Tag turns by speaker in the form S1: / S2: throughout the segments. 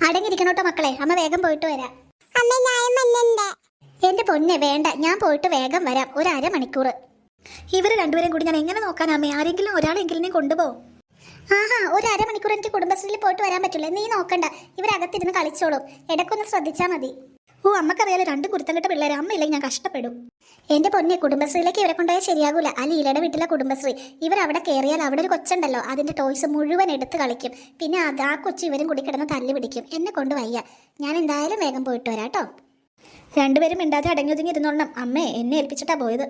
S1: അടങ്ങിയിരിക്കണോട്ടോ മക്കളെ, അമ്മ വേഗം പോയിട്ട് വരാം. എന്റെ പൊന്നെ വേണ്ട, ഞാൻ പോയിട്ട് വേഗം വരാം. ഒരു അരമണിക്കൂർ. ഇവർ രണ്ടുപേരും കൂടി ഞാൻ എങ്ങനെ നോക്കാനാ അമ്മേ? ആരെങ്കിലും ഒരാളെങ്കിലും കൊണ്ടുപോകും. ആഹാ, ഒരു അരമണിക്കൂർ എനിക്ക് കുടുംബശ്രീയിൽ പോയിട്ട് വരാൻ പറ്റില്ല. നീ നോക്കണ്ട, ഇവരകത്തിരുന്ന് കളിച്ചോളും. ഇടയ്ക്കൊന്ന് ശ്രദ്ധിച്ചാൽ മതി. ഓ, അമ്മക്കറിയാലോ രണ്ടും കുരുത്തം പിള്ളേരെ. അമ്മയില്ലെങ്കിൽ ഞാൻ കഷ്ടപ്പെടും. എന്റെ പൊന്നെ, കുടുംബശ്രീയിലേക്ക് ഇവരെ കൊണ്ടുപോയാൽ ശരിയാകൂല. ആ ലീലയുടെ വീട്ടിലെ കുടുംബശ്രീ. ഇവരവിടെ കയറിയാൽ അവിടെ ഒരു കൊച്ചുണ്ടല്ലോ, അതിന്റെ ടോയ്സ് മുഴുവൻ എടുത്ത് കളിക്കും. പിന്നെ ആ കൊച്ചു ഇവരും കൂടി കിടന്ന് തല്ലി പിടിക്കും. എന്നെ കൊണ്ട് വയ്യ. ഞാൻ എന്തായാലും വേഗം പോയിട്ട് വരാം കേട്ടോ. രണ്ടുപേരും മിണ്ടാതെ അടങ്ങി ഒതുങ്ങി ഇരുന്നോളണം. അമ്മേ എന്നെ ഏൽപ്പിച്ചിട്ടാ പോയത്.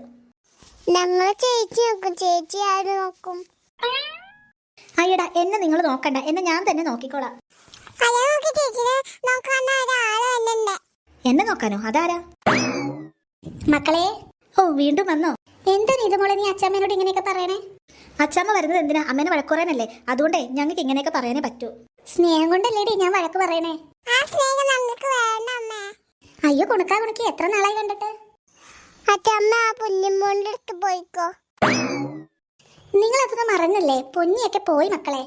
S2: ചേച്ചി ആര് നോക്കും?
S1: അയ്യടാ, എന്നെ നിങ്ങൾ നോക്കണ്ട, എന്നെ ഞാൻ തന്നെ നോക്കിക്കോളാം. എന്നെ നോക്കാനോ? അതാരാ? മക്കളെ, ഓ വീണ്ടും വന്നോ? എന്താ ഇത് മോളെ നീ അച്ചാമ്മേനോട് ഇങ്ങനെയൊക്കെ പറയണേ? അച്ചാമ്മ വരുന്നത് എന്തിനാ? അമ്മേനെ വഴക്കുറയാനല്ലേ. അതുകൊണ്ടേ ഞങ്ങൾക്ക് ഇങ്ങനെയൊക്കെ പറയാനേ പറ്റൂ. സ്നേഹം കൊണ്ടല്ലേടി ഞാൻ വഴക്ക് പറയണേ. അയ്യോ കുണുക്കാ കുണുക്കി, എത്ര നാളായി കണ്ടിട്ട്. നിങ്ങൾ അതൊന്നും മറന്നല്ലേ? പൊന്നിയൊക്കെ പോയി മക്കളെ.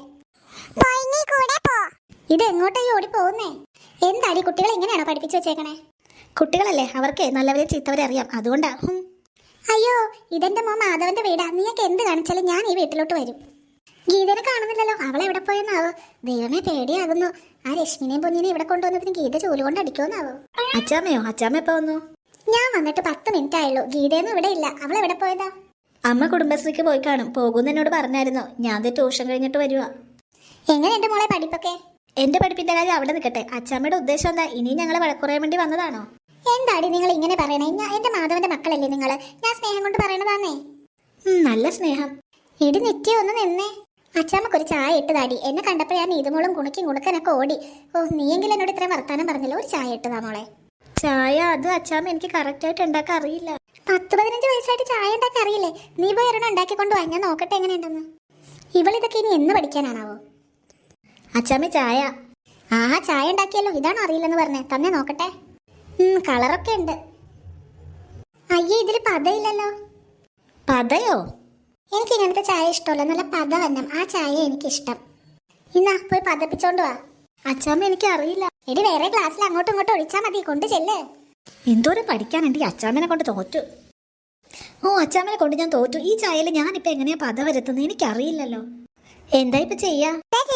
S1: ഇത് എങ്ങോട്ടായി ഓടി പോകുന്നേ? എന്താടി കുട്ടികളെ ഇങ്ങനെയാണോ പഠിപ്പിച്ചു വെച്ചേക്കണേ? കുട്ടികളല്ലേ, അവർക്ക് നല്ലവരെ ചീത്തവരെ അറിയാം, അതുകൊണ്ടാ. അയ്യോ, ഇതെന്റെ മോൻ മാധവന്റെ വീടാ. നീയൊക്കെ എന്ത് കാണിച്ചാലും ഞാൻ ഈ വീട്ടിലോട്ട് വരും. ഗീതനെ കാണുന്നില്ലല്ലോ, അവളെവിടെ പോയെന്നാവോ? ദൈവമേ പേടിയാകുന്നു. ആ രശ്മിനെയും പൊന്നിനെയും ഇവിടെ കൊണ്ടുവന്നതിന് ഗീത ചൂല് കൊണ്ട് അടിക്കുമെന്നാവോ? അച്ചാമ്മയോ? അച്ചാമ്മ എപ്പോ വന്നു? ഞാൻ വന്നിട്ട് 10 മിനിറ്റ് ആയുള്ളൂ. ഗീതയൊന്നും ഇവിടെ ഇല്ല. അവളെവിടെ പോയതാ? അമ്മ കുടുംബശ്രീക്ക് പോയി കാണും. പോകുന്ന എന്നോട് പറഞ്ഞായിരുന്നു. ഞാൻ ട്യൂഷൻ കഴിഞ്ഞിട്ട് വരുവാ. എങ്ങനെയുണ്ട് മോളെ പഠിപ്പൊക്കെ? എന്റെ പഠിപ്പിന്റെ കാര്യം അവിടെ നിൽക്കട്ടെ. അച്ചാമ്മയുടെ ഉദ്ദേശം എന്താ? ഇനി ഞങ്ങളെ വഴക്കുറയാൻ വേണ്ടി വന്നതാണോ? എന്താടി നിങ്ങൾ ഇങ്ങനെ പറയണേ? എന്റെ മാധവന്റെ മക്കളല്ലേ നിങ്ങള്? ഞാൻ സ്നേഹം കൊണ്ട് പറയണതാന്നേ. നല്ല സ്നേഹം. ഇടി നിത്യം ഒന്ന് നിന്നേ. അച്ചാമ്മക്കൊരു ചായ ഇട്ടതാടി. എന്നെ കണ്ടപ്പോൾ ഞാൻ നീതുമോളും കുണുക്കനൊക്കെ ഓടി. ഓ, നീയെങ്കിലും എന്നോട് ഇത്രയും വർത്താനം പറഞ്ഞല്ലോ. ഒരു ചായ ഇട്ടതാ മോളെ. ചായ? അത് അച്ചാമ്മ എനിക്ക് കറക്റ്റ് ആയിട്ട് ഉണ്ടാക്കാൻ അറിയില്ല. 10-15 വയസ്സായിട്ട് ചായ ഉണ്ടാക്കാൻ അറിയില്ലേ? നീ പോയി ഒരെണ്ണം ഉണ്ടാക്കിക്കൊണ്ട് വാ, ഞാൻ നോക്കട്ടെ എങ്ങനെയുണ്ടെന്ന്. ഇവളിതൊക്കെ ഇനി എന്ന് പഠിക്കാനാണാവോ? അച്ചാമ്മ ചായ. ആഹാ, ചായ ഉണ്ടാക്കിയല്ലോ. ഇതാണോ അറിയില്ലെന്ന് പറഞ്ഞേ? തന്നെ നോക്കട്ടെ. കളറൊക്കെ ഉണ്ട്. അയ്യേ, ഇതിൽ പതയില്ലല്ലോ. പതയോ? എനിക്ക് ഇങ്ങനത്തെ ചായ ഇഷ്ടമല്ല. നല്ല പത വന്നം. ആ ചായ എനിക്കിഷ്ടം. ഇന്നാ പോയി പതപ്പിച്ചോണ്ട് വാ. അച്ചാമ്മ എനിക്ക് അറിയില്ല. എടി വേറെ ക്ലാസ്സിൽ അങ്ങോട്ടും ഇങ്ങോട്ടും ഒഴിച്ചാൽ മതി. കൊണ്ട് ചെല്ലേ. എന്തോരം പഠിക്കാനുണ്ട്. അച്ചാമ്മനെ കൊണ്ട് തോറ്റു. ഓ, അച്ചാമ്മനെ കൊണ്ട് ഞാൻ തോറ്റു. ഈ ചായയിൽ ഞാനിപ്പോ എങ്ങനെയാ പത വരുത്തുന്നത്? എനിക്കറിയില്ലല്ലോ. എന്താ ഇപ്പൊ ചെയ്യാ?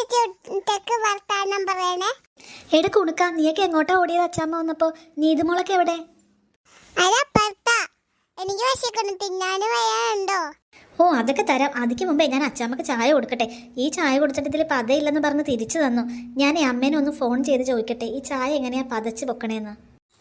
S1: എടാ കുണുക്ക, നീയൊക്കെ എങ്ങോട്ടാ ഓടിയത്? അച്ചാമ്മ വന്നപ്പോ. നീതുമോളൊക്കെ എവിടെ? ഓ, അതൊക്കെ തരാം. അതിക്ക് മുമ്പേ ഞാൻ അച്ചാമ്മക്ക് ചായ കൊടുക്കട്ടെ. ഈ ചായ കൊടുത്തിട്ട് ഇതിൽ പതയില്ലെന്ന് പറഞ്ഞ് തിരിച്ചു തന്നു. ഞാൻ അമ്മേനെ ഒന്ന് ഫോൺ ചെയ്ത് ചോദിക്കട്ടെ, ഈ ചായ എങ്ങനെയാ പതച്ച് പൊക്കണേന്ന്.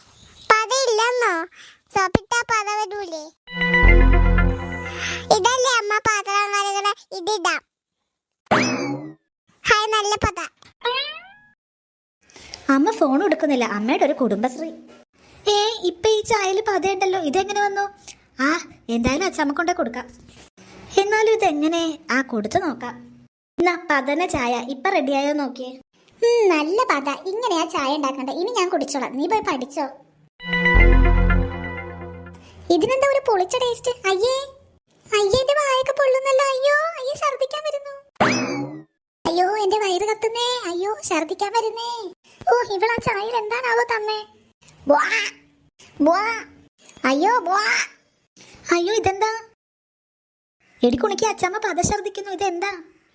S1: അമ്മ ഫോൺ എടുക്കുന്നില്ല. അമ്മയുടെ ഒരു കുടുംബശ്രീ. ഇപ്പൊ ഈ ചായയിൽ പതയുണ്ടല്ലോ. ഇതെങ്ങനെ വന്നു? ആ, എന്തായാലും അച്ചാമ്മ കൊണ്ടേ കൊടുക്കാം. എന്നാലും ഇതെങ്ങനെ? കൊടുത്തു നോക്കാം. എന്നാ പതന ചായ ഇപ്പൊ റെഡിയായോ നോക്കിയേ. നല്ല പത. ഇങ്ങനെയാ ചായ ഉണ്ടാക്കണ്ടേ. ഇനി ഞാൻ കുടിച്ചോളാം. നീ പോയി പഠിച്ചോ. ഇതിനെന്താ ഒരു പൊളിച്ച ടേസ്റ്റ്? അയ്യേ എന്റെ വായൊക്കെ പൊള്ളുന്നല്ലോ. അയ്യോ ഛർദിക്കാൻ വരുന്നു. അയ്യോ എന്റെ വയറ് കത്തുന്നേ. അയ്യോ ഛർദിക്കാൻ വരുന്നേ. ഓ, ഇവളാ ചായയിൽ എന്താണാവോ തന്നേ? അയ്യോ ഇതെന്താ? എടിക്കുണിക്ക് അച്ചാമ്മ പത ഛർദിക്കുന്നു. ഇതെന്താ?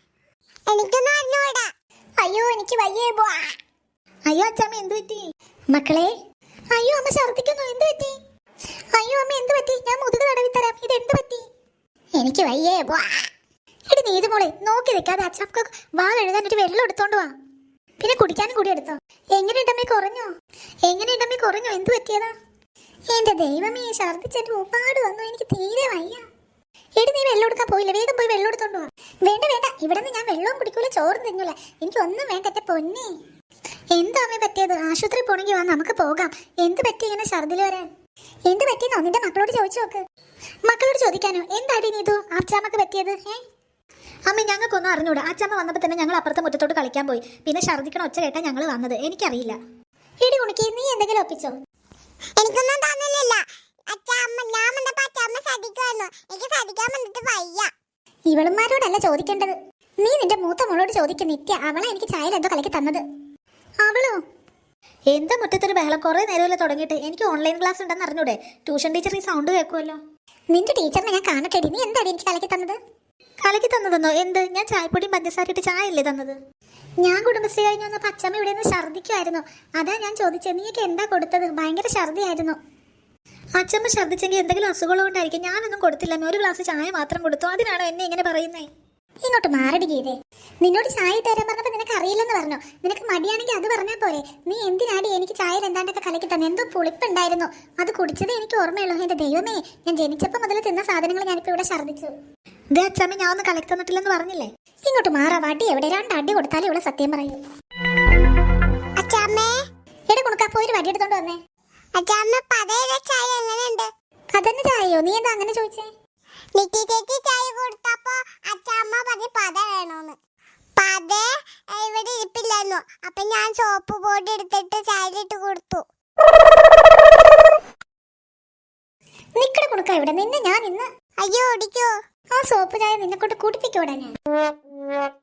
S1: അയ്യോ എനിക്ക് വയ്യേ. അയ്യോ അച്ചാമ്മ എന്ത് പറ്റി? മക്കളെ, അയ്യോ അമ്മ ഛർദിക്കുന്നു. എന്ത് പറ്റി? അയ്യോ അമ്മ എന്ത് പറ്റി? ഞാൻ മുതുക് തടവി തരാം. ഇത് എന്ത് പറ്റി? എനിക്ക് വയ്യേ. എടി നീതുമോളെ, നോക്കി നിൽക്കാതെ അച്ചാമ്മക്ക് വാ കഴുകാൻ ഒരു വെള്ളം എടുത്തോണ്ട് വാ. പിന്നെ കുടിക്കാനും കൂടി എടുത്തോ. എങ്ങനെയുണ്ടമ്മേ? കുറഞ്ഞോ? എന്ത് പറ്റിയതാ? എന്റെ ദൈവമേ, ഛർദിച്ചിട്ട് ഒരുപാട് വന്നു. എനിക്ക് തീരെ വയ്യ. എടി നീ വെള്ളം എടുക്കാൻ പോയില്ല? വേഗം പോയി വെള്ളം എടുത്തോണ്ട് വാ. വേണ്ട, ഇവിടെ നിന്ന് ഞാൻ വെള്ളവും കുടിക്കൂല, ചോറും തിന്നൂല. എനിക്ക് ഒന്നും വേണ്ട എന്റെ പൊന്നെ. എന്താ അമ്മേ പറ്റിയത്? ആശുപത്രി പോണെങ്കിൽ വാ, നമുക്ക് പോകാം. എന്ത് പറ്റി ഇങ്ങനെ ഛർദിൽ വരാൻ? എന്ത് പറ്റിയെന്നോ നിന്റെ മക്കളോട് ചോദിച്ചു നോക്ക്. മക്കളോട് ചോദിക്കാനോ? എന്താടി നീതു അച്ചാമ്മക്ക് പറ്റിയത്? അമ്മ ഞങ്ങൾക്കൊന്നും അറിഞ്ഞൂടാ. അച്ചാമ്മ വന്നപ്പോൾ തന്നെ ഞങ്ങൾ അപ്പുറത്തെ മുറ്റത്തോട്ട് കളിക്കാൻ പോയി. പിന്നെ ഛർദിക്കണ ഒച്ച കേട്ടാ ഞങ്ങൾ വന്നത്. എനിക്കറിയില്ല. എടി കുണിക്ക് നീ എന്തെങ്കിലും ഒപ്പിച്ചോ?
S2: എനിക്കൊന്നും തോന്നുന്നില്ല.
S1: ഇവളുമാരോടല്ല ചോദിക്കേണ്ടത്. നീ നിന്റെ മൂത്ത മോളോട് ചോദിക്കും. നിത്യ അവളെ എനിക്ക് ചായയിൽ എന്തോ കലക്കി തന്നത്. അവളോ? എന്താ മുറ്റത്തൊരു ബഹളം? കുറെ നേരമല്ലേ തുടങ്ങിയിട്ട്. എനിക്ക് ഓൺലൈൻ ക്ലാസ് ഉണ്ടെന്ന് അറിഞ്ഞൂടെ? ട്യൂഷൻ ടീച്ചർ ഈ സൗണ്ട് കേൾക്കുമല്ലോ. നിന്റെ ടീച്ചറിനെ ഞാൻ കാണട്ടെടി. നീ എന്താടി എനിക്ക് കലക്കി തന്നത്? കലക്കി തന്നതെന്നോ? എന്ത്? ഞാൻ ചായപ്പൊടിയും പഞ്ചസാരയിട്ട് ചായ അല്ലേ തന്നത്? ഞാൻ കുടുംബശ്രീ കഴിഞ്ഞ് വന്നപ്പോൾ അച്ഛമ്മ ഇവിടെ നിന്ന് ഛർദ്ദിക്കുമായിരുന്നു. അതാ ഞാൻ ചോദിച്ചത്, നീയൊക്കെ എന്താ കൊടുത്തത്? ഭയങ്കര ഛർദ്ദിയായിരുന്നു. അച്ഛമ്മ ഛർദ്ദിച്ചെങ്കിൽ എന്തെങ്കിലും അസുഖമുള്ളതുകൊണ്ടായിരിക്കും. ഞാനൊന്നും കൊടുത്തില്ല. ഒരു ഗ്ലാസ് ചായ മാത്രം കൊടുത്തു. അതിനാണോ എന്നെ ഇങ്ങനെ പറയുന്നേ? ഇങ്ങോട്ട് മാറടി ഗീതേ. നിന്നോട് ചായ ഇട്ട് തരാൻ പറഞ്ഞപ്പോൾ നിനക്ക് അറിയില്ലെന്ന് പറഞ്ഞു. നിനക്ക് മടിയാണെങ്കിൽ അത് പറഞ്ഞാൽ പോരെ. നീ എന്തിനാടി എനിക്ക് ചായയിൽ എന്താണ്ടൊക്കെ കലക്കി തന്നെ? എന്തോ പുളിപ്പുണ്ടായിരുന്നു. അത് കുടിച്ചതേ എനിക്ക് ഓർമ്മയുള്ളൂ. എന്റെ ദൈവമേ, ഞാൻ ജനിച്ചപ്പോൾ മുതൽ തിന്ന സാധനങ്ങൾ ഞാനിപ്പോൾ ഇവിടെ ഛർദ്ദിച്ചു. ഇതേ അച്ഛമ്മ ഞാൻ ഒന്ന് കലക്കി തന്നിട്ടില്ലെന്ന് പറഞ്ഞില്ലേ? ഇങ്ങോട്ട് മാറാ. വടി എവിടെ? 2 അടി കൊടുത്താലും ഇവിടെ സത്യം പറയൂ.
S2: അച്ചാമ്മേ,
S1: എവിടെ കുണുക്കാ? പോയി ഒരു വടി എടുത്തോണ്ട് വന്നേ.
S2: അച്ചാമ്മ പതയുടെ ചായ എങ്ങനെയുണ്ട്?
S1: അതന്നെ ചായയോ? നീ എന്താ അങ്ങനെ ചോദിച്ചേ?
S2: നിക്കി ചേച്ചി ചായ കൊടുത്തപ്പോ അച്ചാമ്മ പറഞ്ഞ് പത വേണോന്ന്. പത ഇവിടെ ഇരിപ്പില്ലായിരുന്നു. അപ്പൊ ഞാൻ സോപ്പ് പൊടി എടുത്തിട്ട് ചായയിലിട്ട് കൊടുത്തു.
S1: നിക്കടെ കുണുക്ക ഇവിടെ. നിന്നെ ഞാൻ ഇന്ന്
S2: അയ്യോ ഓടിക്കോ.
S1: ആ സോപ്പ് ചായ നിന്നെ കൊണ്ട് കുടിപ്പിക്കൂടാ ഞാൻ.